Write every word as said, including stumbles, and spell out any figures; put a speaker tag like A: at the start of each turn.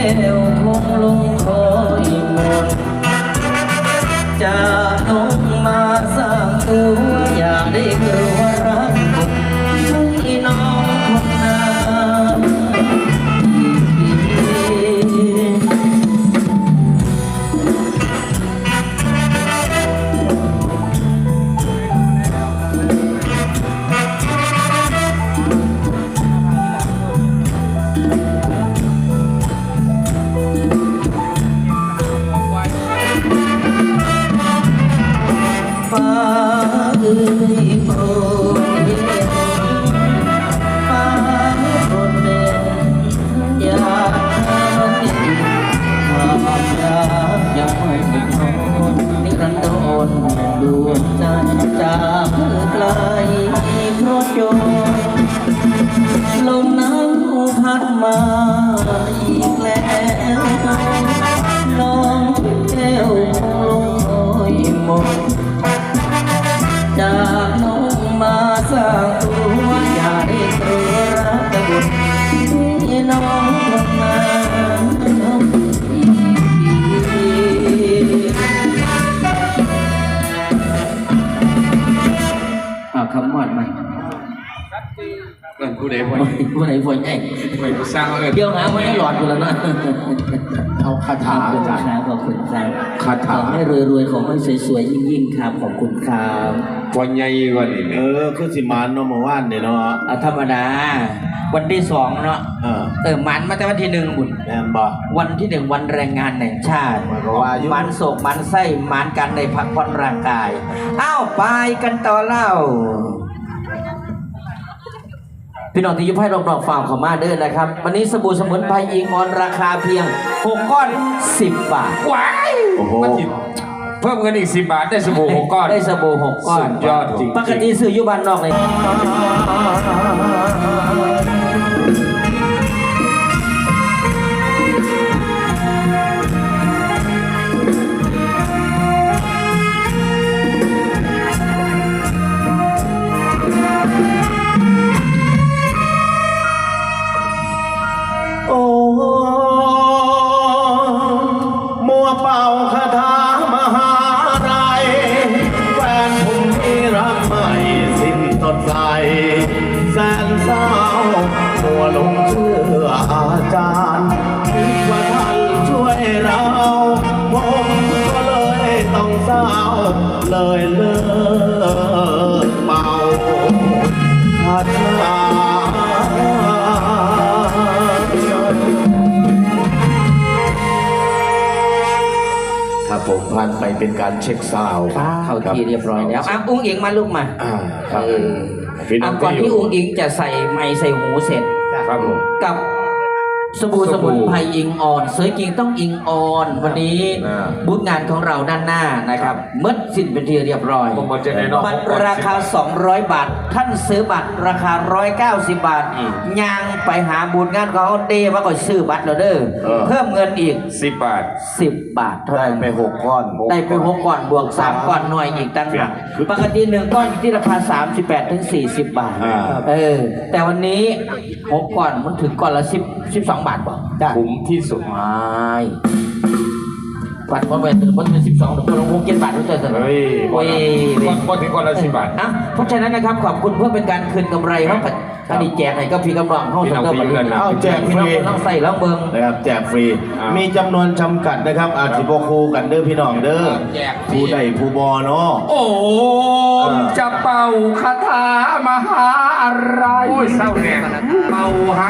A: วคงลงคอยหมดจากน้องมาสร้างตัวอยากได้เกิดว่ารักคนให้น้องคนนั้นฟ้าเอ้ยโปรดเห็นฟ้าโปรดเด่นอย่าให้ความรักยังไม่ถึงโน่นนิรันดรดวงใจจากไกลเพราะจมลมหนาวพัดมาอีกแล้วน้องแก้วคงลงคอยหมดจากน้องมาสร้างตัวอย่าได้ตัวรักแต่บุญที่น้องทำมาเอาคำมอดมา
B: เออผู้ใดผู้
A: ผู้ไหนผู้ใหญ่
B: ไม่สร้างเออ
A: เดี๋ยวหาไว้ให้หลอดกูแล้วนะ
B: เอาคาถา
A: ขอบคุณครับขอบคุณครับ
B: คาถา
A: ขอให้รวยๆขอให้สวยๆยิ่งๆครับขอบคุณครับ
B: พอใหญ่กว่านี้
C: เออคือสิมานเนาะเมื่อวานเนี่ยเนาะ
A: เอาธรรมดาวันที่สองเนาะ
C: เออ
A: เออมันมาแต่วันที่หนึ่งบุญ
C: แม่นบ่
A: วันที่หนึ่งวันแรงงานแห่งชาติ
C: มันก็ว่าอยู่
A: มันโศกมันไส้มันกันในพักผ่อนร่างกายอ้าวไปกันต่อเล่าพี่น้องที่ยุพให้รอบๆฟาร์มขอมาเด้อนะครับวันนี้สบู่สมุนไพรอิงออนราคาเพียงหกก้อนสิบบาท
B: ว้าย
C: โอ้โห
B: มันสิเพิ่มเงินอีกสิบบาทได้สบู่หกก้อน
A: ได้สบู่หกก้อน
B: สุดยอดจริงๆ
A: ปกติซื้ออยู่บ้านนอกเลย
C: โอ้มัวเป่าคาถามหาไรแฟนผมที่รักไม่สิ้นสดใสแสนเศร้ามัวหลงเชื่ออาจารย์คิดว่าท่านช่วยเราผมก็เลยต้องเศร้าเลยเลิกเป่าคาถาครับผมผ่านไปเป็นการเช็คซาวด์
A: เข้าที่เรียบร้อยแล้วอ่ะอุ้งอิงมาลูกมา
C: อ่าครับ
A: เออ
C: พี่น้
A: อ่ะ
C: อง
A: ก่อน
C: ที่
A: ที่
C: อยู่
A: อุ้งอิงจะใส่ไม้ใส่หูเสร็จ
B: ครับผม
A: กับสบู่สมุนไพรอิงออนสวยจริงต้องอิงออน วันนี้
C: อ่า
A: บูธงานของเราด้านหน้านะครับเมื่อสิ้นเป็นที่เรียบร้อย
B: ผมบอกจะแน่นอน
A: บัตรราคา สองร้อย บาท ท่านซื้อบัตรราคา หนึ่งร้อยเก้าสิบ บาทย่างไปหาบูธงานของเขาเต้ว่าก็ซื้อบัตรแล้วเด้อเพิ่มเงินอีก
B: สิบบาท
A: สิบบาทเท่า
C: ได้
A: นั้น
C: ไปหกก้อน
A: ได้ไปหกก้อนบวกสามก้อนหน่วยอีกตั้งหากปกติหนึ่งก้อนอยู่ที่ราคาสามสิบแปดถึงสี่สิบบาท
C: อ่า
A: เออแต่วันนี้หกก้อนมันถึงก้อนละสิบสิบสองบาทป่ะได้
B: คุ้มที่สุด
A: ไม่บัตรมันเป็นมันเป็นสิบสองตัวลงวงเจ็ดบาทรู้จักไหม
B: เฮ้ย
A: โอ้ย
B: ก้อนถึงก้อนละสิบบาท
A: อ่ะเพราะฉะนั้นนะครับขอบคุณเพื่อเป็นการคืนกำไรเขาอันนี้แจกให้ก็พี่กำลังเข้า
B: พี่
A: ส
B: น้อง
A: เตอร์
B: พี่
A: บัตร
B: เงินนะ
C: เอาแจกฟรี
A: ต้องใส่แล้วเบิง
C: นะครับแจกฟรี
B: อ่ามี
C: มีจำนวนจำกัดนะครับ อาจสิบคูกันเด้อพี่น้องเด้อ
B: แจกฟรี
C: ผู้ใดผู้บอเนาะ
B: โอ้มจะเป่าคาถามหาอะไรโอ้ยเศร้าแน่เป่าหา